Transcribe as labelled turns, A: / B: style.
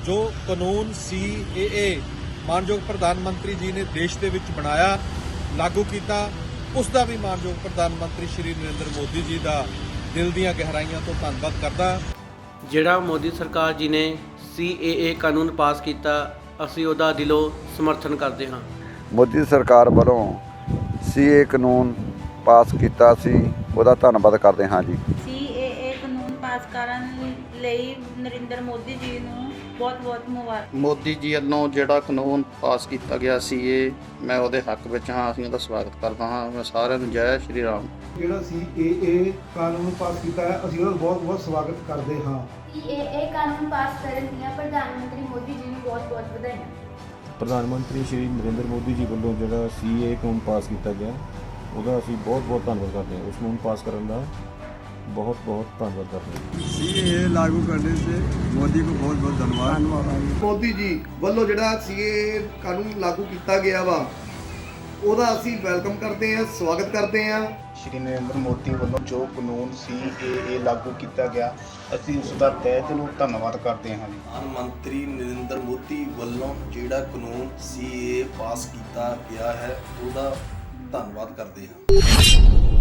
A: ਜੋ ਕਾਨੂੰਨ CAA ਮਾਨਯੋਗ ਪ੍ਰਧਾਨ ਮੰਤਰੀ ਜੀ ਨੇ ਦੇਸ਼ ਦੇ ਵਿੱਚ ਬਣਾਇਆ, ਲਾਗੂ ਕੀਤਾ, ਉਸ ਦਾ ਵੀ ਮਾਨਯੋਗ ਪ੍ਰਧਾਨ ਮੰਤਰੀ ਸ਼੍ਰੀ ਨਰਿੰਦਰ ਮੋਦੀ ਜੀ ਦਾ ਦਿਲ ਦੀਆਂ ਗਹਿਰਾਈਆਂ ਤੋਂ ਧੰਨਵਾਦ ਕਰਦਾ।
B: ਜਿਹੜਾ ਮੋਦੀ ਸਰਕਾਰ ਜੀ ਨੇ CAA ਕਾਨੂੰਨ ਪਾਸ ਕੀਤਾ, ਅਸੀਂ ਉਹਦਾ ਦਿਲੋਂ ਸਮਰਥਨ ਕਰਦੇ ਹਾਂ।
C: ਮੋਦੀ ਸਰਕਾਰ ਵੱਲੋਂ CAA ਕਾਨੂੰਨ ਪਾਸ ਕੀਤਾ ਸੀ, ਉਹਦਾ ਧੰਨਵਾਦ ਕਰਦੇ ਹਾਂ ਜੀ।
D: CAA ਕਾਨੂੰਨ ਪਾਸ ਕਰਨ ਲਈ ਨਰਿੰਦਰ ਮੋਦੀ ਜੀ ਨੂੰ ਬਹੁਤ-ਬਹੁਤ ਮੁਬਾਰਕ।
E: ਮੋਦੀ ਜੀ ਵੱਲੋਂ ਜਿਹੜਾ ਕਾਨੂੰਨ ਪਾਸ ਕੀਤਾ ਗਿਆ ਸੀ, ਮੈਂ ਉਹਦੇ ਹੱਕ ਵਿੱਚ ਹਾਂ, ਅਸੀਂ ਉਹਦਾ ਸਵਾਗਤ ਕਰਦਾ ਹਾਂ। ਮੈਂ ਸਾਰਿਆਂ ਨੂੰ ਜੈ ਸ਼੍ਰੀ ਰਾਮ।
F: ਜਿਹੜਾ CAA ਕਾਨੂੰਨ ਪਾਸ ਕੀਤਾ ਹੈ, ਅਸੀਂ ਉਹਦਾ ਬਹੁਤ-ਬਹੁਤ ਸਵਾਗਤ ਕਰਦੇ ਹਾਂ।
G: CAA ਕਾਨੂੰਨ ਪਾਸ ਕਰਨ ਦੀਆਂ ਪ੍ਰਧਾਨ ਮੰਤਰੀ ਮੋਦੀ ਜੀ ਨੂੰ ਬਹੁਤ-ਬਹੁਤ ਵਧਾਈਆਂ।
H: ਪ੍ਰਧਾਨ ਮੰਤਰੀ ਸ਼੍ਰੀ ਨਰਿੰਦਰ ਮੋਦੀ ਜੀ ਵੱਲੋਂ ਜਿਹੜਾ CAA ਕਾਨੂੰਨ ਪਾਸ ਕੀਤਾ ਗਿਆ, ਉਹਦਾ ਅਸੀਂ ਬਹੁਤ-ਬਹੁਤ ਧੰਨਵਾਦ ਕਰਦੇ ਹਾਂ। ਉਸ ਕਾਨੂੰਨ ਪਾਸ ਕਰਨ ਦਾ बहुत धन्यवाद करते हैं।
I: CAA लागू करने से मोदी को बहुत धन्यवाद।
F: ਮੋਦੀ ਜੀ ਵੱਲੋਂ ਜਿਹੜਾ CAA ਕਾਨੂੰਨ ਲਾਗੂ ਕੀਤਾ ਗਿਆ ਵਾ, ਉਹਦਾ ਅਸੀਂ ਵੈਲਕਮ ਕਰਦੇ ਹਾਂ, ਸਵਾਗਤ ਕਰਦੇ ਹਾਂ।
J: ਸ਼੍ਰੀ ਨਰਿੰਦਰ ਮੋਦੀ ਵੱਲੋਂ ਜੋ ਕਾਨੂੰਨ CAA ਲਾਗੂ ਕੀਤਾ ਗਿਆ, ਅਸੀਂ ਉਸ ਦਾ ਤਹਿ ਦਿਲੋਂ ਧੰਨਵਾਦ ਕਰਦੇ ਹਾਂ।
K: ਪ੍ਰਧਾਨ ਮੰਤਰੀ ਨਰਿੰਦਰ ਮੋਦੀ ਵੱਲੋਂ ਜਿਹੜਾ ਕਾਨੂੰਨ CAA ਪਾਸ ਕੀਤਾ ਗਿਆ ਹੈ, ਉਹਦਾ ਧੰਨਵਾਦ ਕਰਦੇ ਹਾਂ।